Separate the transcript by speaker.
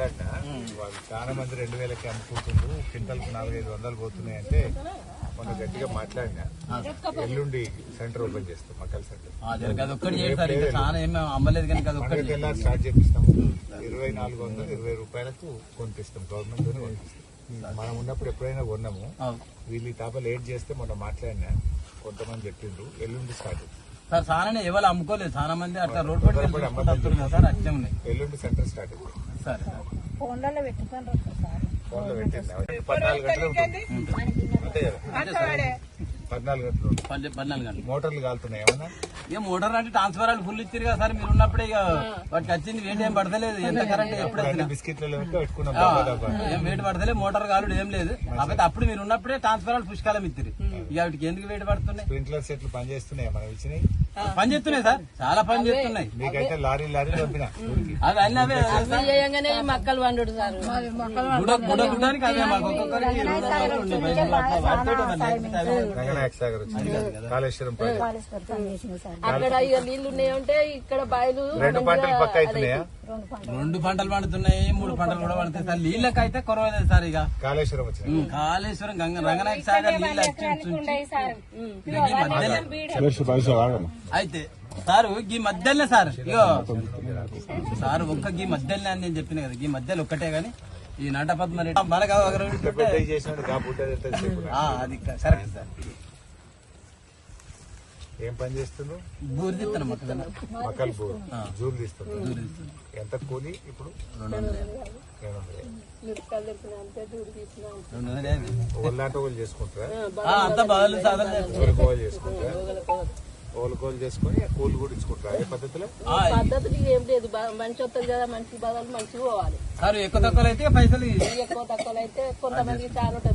Speaker 1: మాట్లాడినా వాళ్ళు చాలా మంది 2000కి అమ్ముకుంటుండ్రు, క్వింటల్కి 400-500 పోతున్నాయి అంటే మొన్న గట్టిగా మాట్లాడినా. ఎల్లుండి సెంటర్ ఓపెన్ చేస్తాం, మక్కల సెంటర్. తెల్లారి స్టార్ట్ చేపిస్తాము. 2420 రూపాయలకు కొనిపిస్తాం, గవర్నమెంట్ తోనే కొనిపిస్తాం. మనం ఉన్నప్పుడు ఎప్పుడైనా కొన్నాము. వీళ్ళు ఈ తాప లేట్ చేస్తే మొన్న మాట్లాడినా, కొంతమంది చెప్పిండ్రు ఎల్లుండి స్టార్ట్
Speaker 2: సార్. చాలా ఎవరు అమ్ముకోలేదు, చాలా మంది అట్లా రోడ్ పడి సార్ అచ్చే ఉన్నాయి.
Speaker 1: ఎల్లుండి సెంటర్ స్టార్ట్
Speaker 2: సార్.
Speaker 1: ఫోన్లో పెట్టింది 14 గంటలు ఉంటుంది అంతే కదా, 14 గంటలు
Speaker 2: 14 గంటలు.
Speaker 1: మోటార్లు కాలుతున్నాయి ఏమన్నా?
Speaker 2: ఇక మోటార్ అంటే ట్రాన్స్ఫారాలు ఫుల్ ఇచ్చారు కదా సార్, మీరు ఉన్నప్పుడే ఇక వాటికి వచ్చింది వెయిట్ ఏం పడతలేదు. ఎంత కరెంట్ ఎప్పుడు
Speaker 1: బిస్కెట్లలో పెట్టుకున్నాం,
Speaker 2: ఏం వెయిట్ పడతలేదు, మోటార్ కాలుడు ఏం లేదు. కాకపోతే అప్పుడు మీరు ఉన్నప్పుడే ట్రాన్స్ఫారాలు పుష్కాలం ఇచ్చారు. ఇక వాటికి ఎందుకు వెయిట్ పడుతున్నాయి?
Speaker 1: స్ప్రింక్లర్ సెట్లు పని చేస్తున్నాయి, మనం ఇచ్చినాయి
Speaker 2: పని చేస్తున్నాయి సార్, చాలా పని చేస్తున్నాయి.
Speaker 1: మీకైతే లారీ పంపినా
Speaker 2: అది అన్నీ అవే
Speaker 3: మక్కలు వండు సార్.
Speaker 2: గుడానికి అవే మాకు ఒక్కొక్కరికి
Speaker 1: రంగనాయక సాగర్ వచ్చింది, కాళేశ్వరం
Speaker 3: అక్కడ ఇక నీళ్లు ఉన్నాయంటే ఇక్కడ బాయిలు
Speaker 1: 2 పంటలు పక్క అవుతున్నాయా?
Speaker 2: 2 పంటలు పండుతున్నాయి, 3 పంటలు కూడా పడుతాయి సార్. నీళ్ళకి అయితే కొరవలేదు సార్. ఇక
Speaker 1: కాళేశ్వరం వచ్చింది,
Speaker 2: కాళేశ్వరం రంగనాయక సాగర్ నీళ్ళు అయితే సార్ ఈ మధ్యలోనే సార్. ఇగో సార్ ఒక్క గీ మధ్యలోనే అని నేను చెప్పిన కదా, ఈ మధ్యలో ఒక్కటే గాని ఈ నటపద్మ అది కరెక్ట్ సార్.
Speaker 1: ఏం పని చేస్తున్నావు?
Speaker 2: బూరు తీస్తాను
Speaker 1: మక్కలు బూరు, జూలు తీస్తున్నావు. ఎంత కూలి ఇప్పుడు? 200. ఒళ్ళాంటి వాళ్ళు చేసుకుంటారా?
Speaker 2: అంతా బదులు సాధన
Speaker 1: చేసుకుంటారా? ఓలుకోలు చేసుకుని కూలి కూడా ఇచ్చుకుంటారా? ఏ పద్ధతిలో?
Speaker 3: పద్ధతులు ఏం లేదు, మంచి వస్తుంది కదా, మంచి బదులు మంచిగా పోవాలి
Speaker 2: సార్. ఎక్కువ తక్కువ అయితే పైసలు,
Speaker 3: ఎక్కువ తక్కువ అయితే కొంతమందికి చాలా